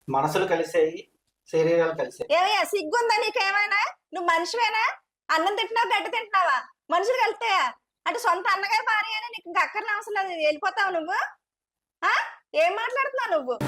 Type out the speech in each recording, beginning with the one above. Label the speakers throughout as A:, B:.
A: మనసులు కలిసాయి, శరీరాలు కలిసాయి.
B: ఏమయ్యా సిగ్గుందా నీకేమైనా? నువ్వు మనిషివేనా? అన్నం తింటున్నావు, గడ్డి తింటున్నావా? మనుషులు కలిస్తాయా? అంటే సొంత అన్నగారి భార్య అని నీకు ఇంకా అక్కర్ని అవసరం లేదు, వెళ్ళిపోతావు నువ్వు. ఆ ఏం మాట్లాడుతున్నావు నువ్వు?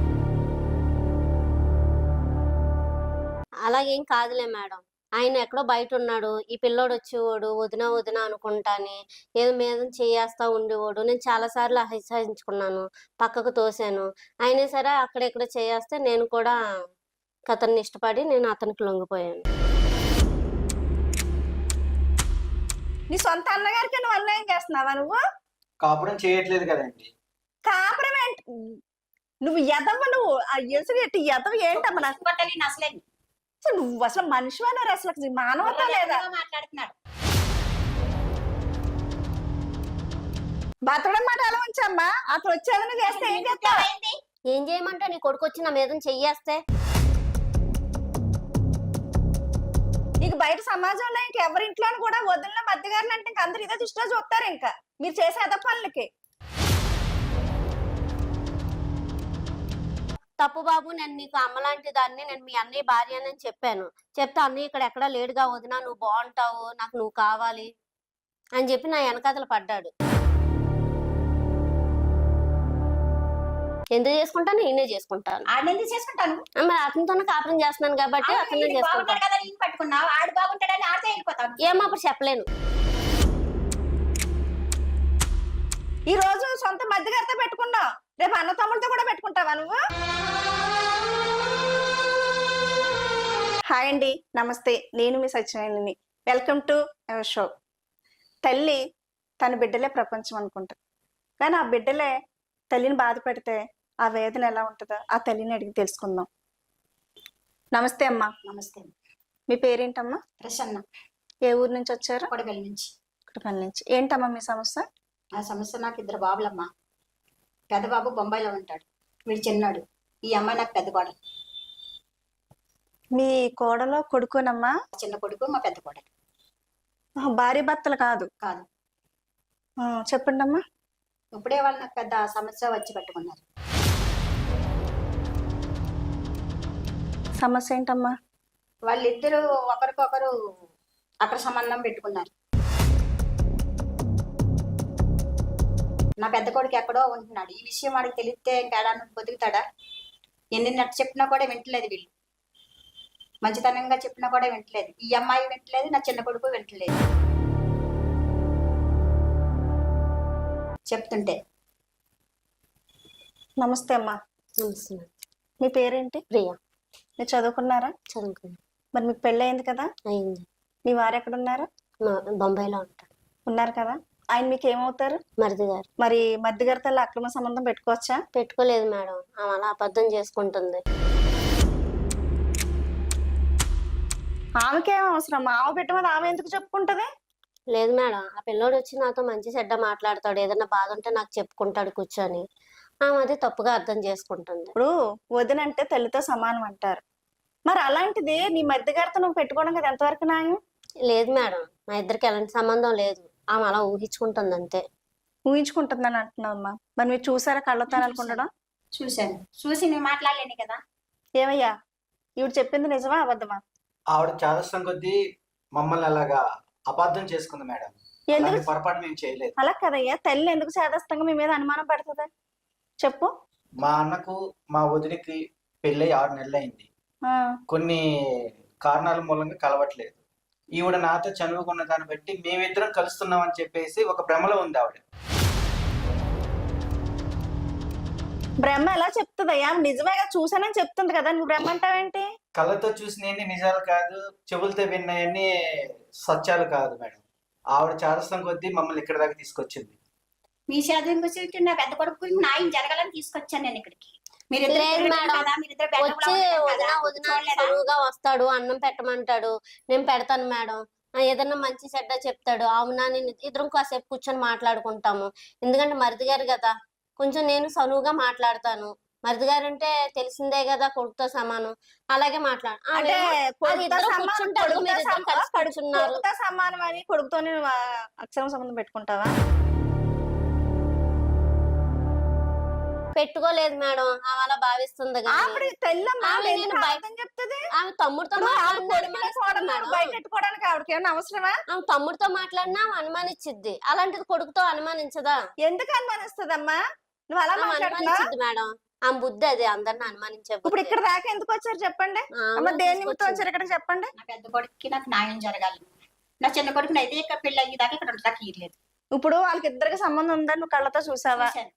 C: అలాగేం కాదులే మేడం. ఆయన ఎక్కడో బయట ఉన్నాడు. ఈ పిల్లోడు వచ్చేవాడు, వదిన వదిన అనుకుంటాని ఏదో మీద చేయేస్తా ఉండేవాడు. నేను చాలా సార్లు అసహించుకున్నాను, పక్కకు తోసాను. అయినా సరే అక్కడెక్కడ చేయేస్తే నేను కూడా అతన్ని ఇష్టపడి నేను అతనికి లొంగిపోయాను.
B: నీ సొంత అన్నగారికి నువ్వు అన్యాయం చేస్తున్నావా నువ్వు?
A: కాపురం చేయట్లేదు కదండి.
B: కాపురం ఏంటి? నువ్వు ఎదవ, నువ్వు ఆ ఎసుగు ఎట్టి ఎదవ ఏంటమ్మా?
D: అసలే
B: అసలు నువ్వు అసలు మనిషివేనా? అసలు మానవత లేదా?
D: మాట్లాడుతున్నాడు.
B: బతకడం మాట ఎలా ఉంచమ్మా? అతను వచ్చేదని చేస్తే ఏం చేస్తావు?
C: ఏం చేయమంటే నీ కొడుకు వచ్చి నా మీద చెయ్యేస్తే?
B: నీకు బయట సమాజంలో ఇంకెవరి ఇంట్లో కూడా వదిలిన మధ్యగారులు అంటే ఇంక అందరు ఇదే దృష్టిలో చూస్తారు. ఇంకా మీరు చేసే అద పనులకి.
C: తప్పు బాబు, నేను నీకు అమ్మలాంటి దాన్ని, నేను మీ అన్నయ్య భార్య అని చెప్పాను. చెప్తే అన్నయ్య ఇక్కడ ఎక్కడా లేడుగా వదినా, నువ్వు బాగుంటావు, నాకు నువ్వు కావాలి అని చెప్పి నా వెనకాతలు పడ్డాడు. ఎందుకు చేసుకుంటాను? నేనే చేసుకుంటాను.
D: ఆడెందుకు చేసుకుంటాను?
C: మరి అతనితోనే కాపురం చేస్తున్నాను కాబట్టి అతనే చేసుకుంటాను
D: కదా. నేను పట్టుకున్నావు, ఆడు బాగుంటాడని ఆడితే వెళ్ళిపోతాను.
C: ఏమో అప్పుడు చెప్పలేను.
B: ఈ రోజు సొంత మధ్యగారితో పెట్టుకున్నావు, రేపు అన్న తమ్ముడితో కూడా పెట్టుకుంటావా నువ్వు? హాయ్ అండి, నమస్తే. నేను మీ సత్యనారాయణని. Welcome to our show. తల్లి తన బిడ్డలే ప్రపంచం అనుకుంటుంది, కానీ ఆ బిడ్డలే తల్లిని బాధ పెడితే ఆ వేదన ఎలా ఉంటుందో ఆ తల్లిని అడిగి తెలుసుకుందాం. నమస్తే అమ్మా.
D: నమస్తే.
B: మీ పేరేంటమ్మా?
D: ప్రసన్న.
B: ఏ ఊరు నుంచి వచ్చారు?
D: కొడగల్ నుంచి.
B: కొడగల్ నుంచి. ఏంటమ్మా మీ సమస్య?
D: ఆ సమస్య, నాకు ఇద్దరు బాబులమ్మా. పెద్ద బాబు బొంబాయిలో ఉంటాడు, వీడు చిన్నాడు. ఈ అమ్మాయి నాకు పెద్ద కోడలు.
B: మీ కోడలో కొడుకునమ్మా?
D: చిన్న కొడుకు మా పెద్ద కోడలు.
B: భార్య భర్తలు కాదు?
D: కాదు.
B: చెప్పండి అమ్మా.
D: ఇప్పుడే వాళ్ళు నాకు పెద్ద సమస్య వచ్చి పెట్టుకున్నారు.
B: సమస్య ఏంటమ్మా?
D: వాళ్ళిద్దరూ ఒకరికొకరు అక్కడ సంబంధం పెట్టుకున్నారు. నా పెద్ద కొడుకు ఎక్కడో ఉంటున్నాడు. ఈ విషయం వాడికి తెలిస్తే ఇంకేడా బతుకుతాడా? ఎన్ని నట్టు చెప్పినా కూడా వింటలేదు. వీళ్ళు మంచితనంగా చెప్పినా కూడా వింటలేదు. ఈ అమ్మాయి వింటలేదు, నా చిన్న కొడుకు వింటలేదు. చెప్తుంటే.
B: నమస్తే అమ్మా.
C: నమస్తే.
B: మీ పేరేంటి?
C: ప్రియా.
B: మీరు చదువుకున్నారా?
C: చదువుకున్నా.
B: మరి మీకు పెళ్ళి అయింది కదా?
C: అయింది.
B: మీ వారు ఎక్కడ ఉన్నారు?
C: బొంబాయిలో ఉంటాడు.
B: ఉన్నారు కదా. ఆయన మీకు ఏమవుతారు?
C: మరిది గారు.
B: మరి మధ్య గారితో అక్రమ సంబంధం పెట్టుకోవచ్చా?
C: పెట్టుకోలేదు మేడం, ఆమె అలా అబద్ధం చేసుకుంటుంది.
B: ఆమెకేం అవసరం? ఆమె పెట్టమని ఆమె ఎందుకు చెప్పుకుంటది?
C: లేదు మేడం, ఆ పిల్లోడు వచ్చి నాతో మంచి చెడ్డ మాట్లాడతాడు, ఏదైనా బాధ ఉంటే నాకు చెప్పుకుంటాడు కూర్చొని. ఆమె అది తప్పుగా అర్థం చేసుకుంటుంది.
B: ఇప్పుడు వదినంటే తల్లితో సమానం అంటారు. మరి అలాంటిది నీ మధ్య గారితో నువ్వు పెట్టుకోవడం కదా ఎంతవరకు న్యాయం?
C: లేదు మేడం, మా ఇద్దరికి ఎలాంటి సంబంధం లేదు. ఆమె అలా ఊహించుకుంటుంది అంతే.
B: ఊహించుకుంటుందని అంటున్నావమ్మా. మరి మీరు చూసారా కళ్ళతో అనుకుంటడం?
D: చూశాను. చూసి నేను మాట్లాడలేను కదా.
B: ఏమయ్యా, ఇవిడు చెప్పింది నిజమా అబద్ధమా?
A: ఆవిడ చాదస్తం కొద్దీ మమ్మల్ని అలాగా అపార్థం చేసుకుంది మేడం.
B: ఎందుకు?
A: అలాంటి పొరపాటు మేము చేయలేదు.
B: అలా కదయ్యా, తల్లి ఎందుకు చేదస్తంగా మీ మీద అనుమానం పడుతుంది? చెప్పు.
A: మా అన్నకు మా వదిలికి పెళ్ళై 6 నెలలు అయింది.
B: ఆ,
A: కొన్ని కారణాల మూలంగా కలవట్లేదు. ఈవిడ నాతో చనువుకున్న దాన్ని బట్టి మేమిద్దరం కలుస్తున్నాం అని చెప్పేసి ఒక భ్రమలో ఉంది ఆవిడ.
B: బ్రహ్మ ఎలా చెప్తుందయ్యా? నిజమేగా, చూసానని చెప్తుంది కదా, నువ్వు బ్రహ్మ అంటావేంటి?
A: కళ్ళతో చూసినవన్నీ నిజాలు కాదు, చెవులతో విన్నాయన్నీ సత్యాలు కాదు మేడం. ఆవిడ చాదస్తం కొద్దీ మమ్మల్ని ఇక్కడ దాకా తీసుకొచ్చింది.
D: మీ చదువు గురించి నా పెద్ద కొడుకు గురించి న్యాయం జరగాలని తీసుకొచ్చాను నేను ఇక్కడికి.
C: లేదు మేడం, వచ్చి వదిన చదువుగా వస్తాడు, అన్నం పెట్టమంటాడు, నేను పెడతాను మేడం. ఏదన్నా మంచి చెడ్డ చెప్తాడు, అవునా నేను ఇద్దరం కాసేపు కూర్చొని మాట్లాడుకుంటాము. ఎందుకంటే మరిది గారు కదా, కొంచెం నేను సనువుగా మాట్లాడతాను. మరిది గారు అంటే తెలిసిందే కదా, కొడుకుతో సమానం. అలాగే
B: అంటే కొడుకుతో
C: కూర్చున్నారు.
B: సమానం అని కొడుకుతోనే అక్షరం సంబంధం పెట్టుకుంటావా?
C: పెట్టుకోలేదు మేడం, ఆమె అలా భావిస్తుంది కానీ
B: ఆవిడ తెల్లమ్మ
C: ఆమె
B: ఎందుకు
C: నేను బయ-
B: అబద్ధం చెప్తుంది?
C: ఆమె తమ్ముడితో
B: ఇప్పుడు ఆవిడ
C: మాట్లాడినా
B: కొడుకునే
C: అనుమానిస్తుంది
B: కోడలు
C: మేడం.
B: బయట పెట్టుకోవడానికి ఆవిడకి ఏమైనా అవసరమా?
C: ఆమె తమ్ముడితో మాట్లాడినా ఆమె అనుమానించిద్ది, అలాంటిది కొడుకుతో అనుమానించదా?
B: ఎందుకు అనుమానిస్తుందమ్మా? నువ్వు అలా
C: ఆమె
B: మాట్లాడుతున్నావు.
C: అనుమానించిద్ది మేడం, ఆమె బుద్ధి అది, అందరిని అనుమానించే
B: ఇప్పుడు
C: బుద్ధి.
B: ఇక్కడ దాకా ఎందుకు వచ్చారు చెప్పండి?
C: ఆమె
B: అమ్మ దేని నిమిత్తం
C: తీసుకొచ్చింది.
B: వచ్చారు ఇక్కడికి చెప్పండి.
D: నా పెద్ద కొడుకుకి నాకు న్యాయం జరగాలి. నా చిన్న కొడుకుని అయితే ఇక్కడ పెళ్లి అయ్యేదాకా ఇక్కడ ఉండడానికి ఇయ్యలేదు.
B: ఇప్పుడు వాళ్ళకి ఇద్దరికి సంబంధం ఉందని నువ్వు కళ్ళతో చూసావా?
D: చూశాను.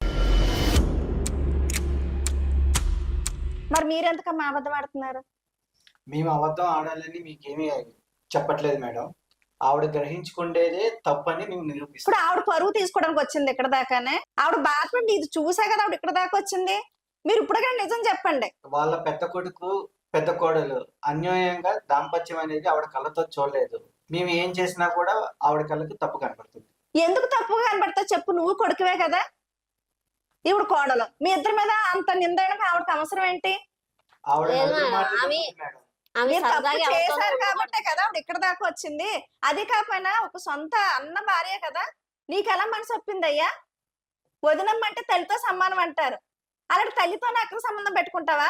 B: మరి మీరెందుకమ్మా అబద్ధం ఆడుతున్నారు?
A: మేము అబద్ధం ఆడాలని మీకేమీ చెప్పట్లేదు మేడం. ఆవిడ గ్రహించుకుండేదే తప్పని మేము నిరూపిస్తాం.
B: ఇప్పుడు ఆవిడ పరువు తీసుకోవడానికి వచ్చింది ఇక్కడ దాకానే. ఆవిడ బాధపడి ఇది చూసా కదా ఆవిడ ఇక్కడ దాకా వచ్చింది. మీరు ఇప్పుడు నిజం చెప్పండి.
A: వాళ్ళ పెద్ద కొడుకు పెద్ద కోడలు అన్యాయంగా దాంపత్యం అనేది ఆవిడ కళ్ళతో చూడలేదు. మేము ఏం చేసినా కూడా ఆవిడ కళ్ళకి తప్పు కనపడుతుంది.
B: ఎందుకు తప్పుగా కనబడతా చెప్పు? నువ్వు కొడుకువే కదా, ఈవిడ కోడలు. మీ ఇద్దరి మీద అంత నిందడానికి ఆవిడకి అవసరం ఏంటి?
A: ఆవిడ
C: లేదు
A: నలుగురు
C: మేడం,
A: మాటలు
C: ఆమె-
A: చెప్తుంది మేడం.
C: ఆమె
B: మీరు తప్పు
C: సరదాగా ఎవరితోనో
B: చేశారు
C: ఉండకూడదు.
B: కాబట్టే కదా ఆవిడ ఇక్కడ దాకా వచ్చింది. అది కాకపోయినా ఒక సొంత అన్న భార్య కదా, నీకు ఎలా మనసు ఒప్పింది అయ్యా? వదినమ్మంటే తల్లితో సమానం అంటారు, అలాంటి తల్లితోనే అక్కడ సంబంధం పెట్టుకుంటావా?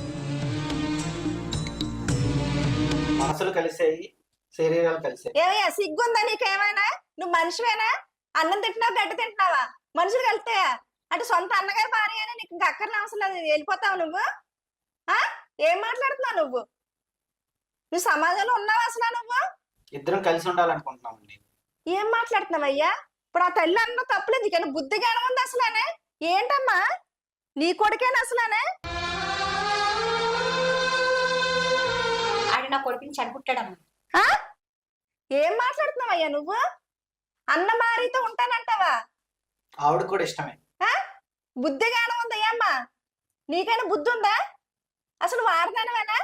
A: మనసులు కలిసాయి, శరీరాలు కలిసాయి.
B: ఏమయ్యా సిగ్గుందా నీకేమైనా? నువ్వు మనిషివేనా? అన్నం తింటున్నావు, గడ్డి తింటున్నావా? మనుషులు కలిస్తాయా? అంటే సొంత అన్నగారి భార్య అని నీకు ఇంకా అక్కర్ని అవసరం లేదు, వెళ్ళిపోతావు నువ్వు. ఆ ఏం మాట్లాడుతున్నావు నువ్వు? నువ్వు సమాజంలో ఉన్నావా అసలు నువ్వు?
A: ఇద్దరం కలిసి ఉండాలనుకుంటున్నామండి.
B: ఏం మాట్లాడుతున్నావయ్యా? ఇప్పుడు ఆ తల్లి అన్న తప్పులేదు, కానీ బుద్ధి జ్ఞానం ఉంది అసలానే? ఏంటమ్మా నీ కొడుకేనా అసలానే?
D: ఆడు నా కొడుకుని చనిపుట్టాడమ్మా.
B: ఆ? ఏం మాట్లాడుతున్నావయ్యా నువ్వు? అన్న భార్యతో ఉంటానంటావా?
A: ఆవిడ కూడా ఇష్టమే.
B: బుద్ధి జ్ఞానం ఉందయ్యా అమ్మా? నీకైనా బుద్ధి ఉందా? అసలు వాడదానవేనా?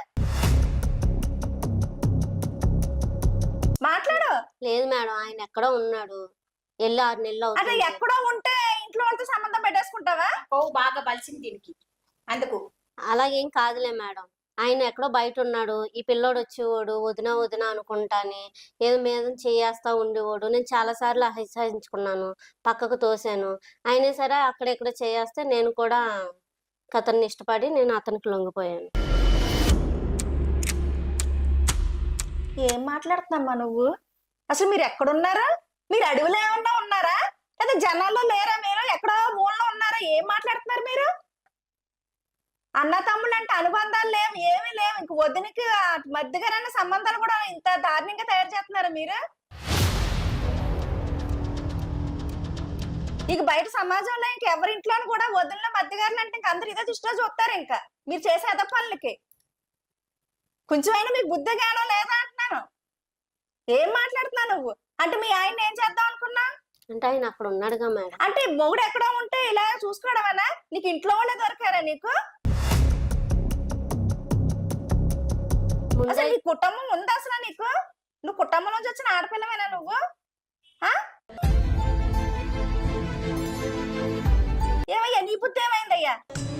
B: మాట్లాడు.
C: లేదు మేడం, ఆయన ఎక్కడో ఉన్నాడు, వెళ్ళి 6 నెలలు
B: అంటే
C: అవుతుంది.
B: ఎక్కడో ఉంటే ఇంట్లో వాళ్ళతో సంబంధం పెట్టేసుకుంటావా?
D: ఓ బాగా బలిసింది దీనికి. అందుకు
C: అలాగేం కాదులే మేడం, ఆయన ఎక్కడో బయట ఉన్నాడు, ఈ పిల్లోడు వచ్చేవాడు వదిన వదిన అనుకుంటాని ఏదో మీద చేయేస్తా ఉండేవాడు. నేను చాలా సార్లు అసహించుకున్నాను, పక్కకు తోసాను. అయినా సరే అక్కడెక్కడ చేయేస్తే నేను కూడా అతన్ని ఇష్టపడి నేను అతనికి లొంగిపోయాను.
B: ఏం మాట్లాడుతున్నామ్మా నువ్వు? అసలు మీరు ఎక్కడున్నారా? మీరు అడవిలో ఏమన్నా ఉన్నారా, లేదా జనాల్లో లేరా? మీరు ఎక్కడో ఊళ్ళో ఉన్నారా? ఏం మాట్లాడుతున్నారు మీరు? అన్న తమ్ముళ్ళు అంటే అనుబంధాలు లేవు, ఏమీ లేవు. ఇంక వదినికి మధ్యగారన్న సంబంధాలు కూడా ఇంత దారుణంగా తయారు చేస్తున్నారా మీరు? ఇక బయట సమాజంలో ఇంక ఎవరింట్లోనూ కూడా వదిలిన మధ్యగారులు అంటే ఇంక అందరు ఇదే దృష్టిలో చూస్తారు. ఇంకా మీరు చేసే అద పనులకి కొంచెమైనా మీకు బుద్ధి జ్ఞానం లేదా అంటున్నాను. ఏం మాట్లాడుతున్నావు నువ్వు? అంటే మీ ఆయన ఏం చేద్దాం అనుకున్నా?
C: అంటే ఆయన అక్కడ ఉన్నాడుగా మేడం.
B: అంటే మొగుడు ఎక్కడో ఉంటే ఇలా చూసుకోవడమేనా? నీకు ఇంట్లో వాళ్ళే దొరికారా నీకు?
C: ముందే
B: అసలు నీ కుటుంబం ఉందా అసలు నీకు? నువ్వు కుటుంబం నుంచి వచ్చిన ఆడపిల్లవేనా నువ్వు? ఆ? ఏమయ్యా నీ బుద్ధి ఏమైందయ్యా?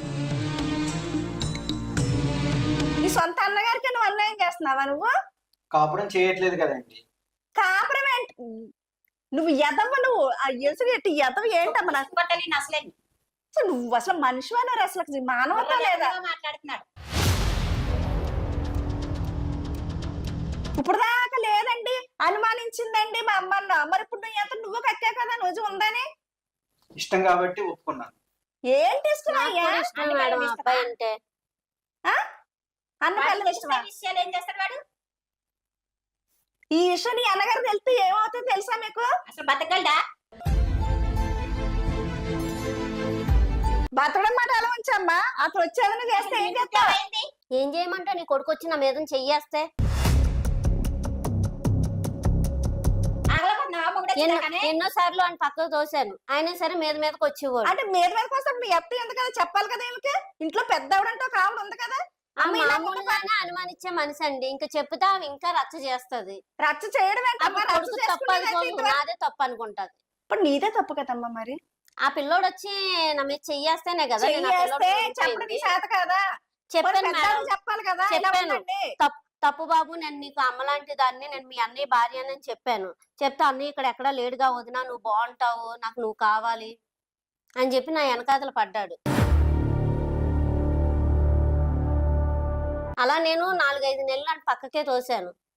B: నీ సొంత అన్నగారికి నువ్వు అన్యాయం చేస్తున్నావా నువ్వు?
A: కాపురం చేయట్లేదు కదండి.
B: కాపురం ఏంటి? నువ్వు ఎదవ, నువ్వు ఆ ఎసుగు ఎట్టి ఎదవ ఏంటమ్మా? నాకు
D: పట్టాలి అసలే
B: అసలు నువ్వు అసలు మనిషివన్నారు? అసలు మానవత లేదా?
D: మాట్లాడుతున్నాడు.
B: ఇప్పుడు దాకా లేదండి, అనుమానించిందండి మా అమ్మన్న. మరి ఇప్పుడు నువ్వు ఎంత నువ్వు కక్కా కదా నువ్వు ఉందని?
A: ఇష్టం కాబట్టి ఒప్పుకున్నాను.
B: ఏం
C: నాకు
B: తీసుకున్నాయ్యా?
C: కూడా ఇష్టం మేడం ఆ అబ్బాయి అంటే.
B: అన్న పిల్లలు ఇష్టమా?
D: విషయాలు ఏం చేస్తాడు వాడు?
B: ఈ విషయం నీ అన్నగారు తెలిస్తే ఏమవుతుందో తెలుసా మీకు?
D: అసలు బతకగలడా?
B: బతకడం మాట ఎలా ఉంచమ్మా? అతను వచ్చేదని చేస్తే ఏం చేస్తావు?
D: ఏంటి?
C: ఏం చేయమంటే నీ కొడుకు వచ్చి నా మీద చెయ్యేస్తే
D: ఆగలేకపోతున్నావా? మొగుడు వచ్చినాకనే?
C: ఎన్నో సార్లు ఆయన పక్కకు తోసాను, అయినా సరే మీద మీదకి వచ్చేవాడు.
B: అంటే మీద మీదకి వస్తే మీ ఎత్త ఉంది కదా, చెప్పాలి కదా ఈమెకి. ఇంట్లో పెద్దవిడంటే ఒక ఆవిడ ఉంది కదా,
C: ఆ
B: అమ్మ ఇలా
C: మామూలుగానే అనుమానించే మనిషి అండి, ఇంకా చెప్తే ఆమె ఇంకా రచ్చ చేస్తది.
B: రచ్చ చేయడం ఏంటమ్మా?
C: అప్పుడు
B: రచ్చ
C: కొడుకు తప్పు
B: చేసుకునేది
C: అనుకోదు,
B: ఇంతవరకు.
C: నాదే తప్పు అనుకుంటది.
B: ఇప్పుడు నీదే తప్పు కదమ్మా. మరి
C: ఆ పిల్లోడు వచ్చి నా మీద చెయ్యేస్తేనే కదా నేను ఆ పిల్లోడు
B: చెయ్యేస్తే చెప్పడం నీ
C: పోయింది.
B: చేత కదా,
C: చెప్పాను
B: పెద్దవాళ్ళు
C: మేడం,
B: చెప్పాలి కదా. ఇలా
C: చెప్పాను.
B: ఉండండి.
C: తప్పు బాబు, నేను నీకు అమ్మలాంటి దాన్ని, నేను మీ అన్నయ్య భార్య అని చెప్పాను. చెప్తే అన్నయ్య ఇక్కడ ఎక్కడా లేడుగా వదినా, నువ్వు బాగుంటావు, నాకు నువ్వు కావాలి అని చెప్పి నా వెనకాతలు పడ్డాడు. అలా నేను 4-5 నెలలు అని పక్కకే తోసాను.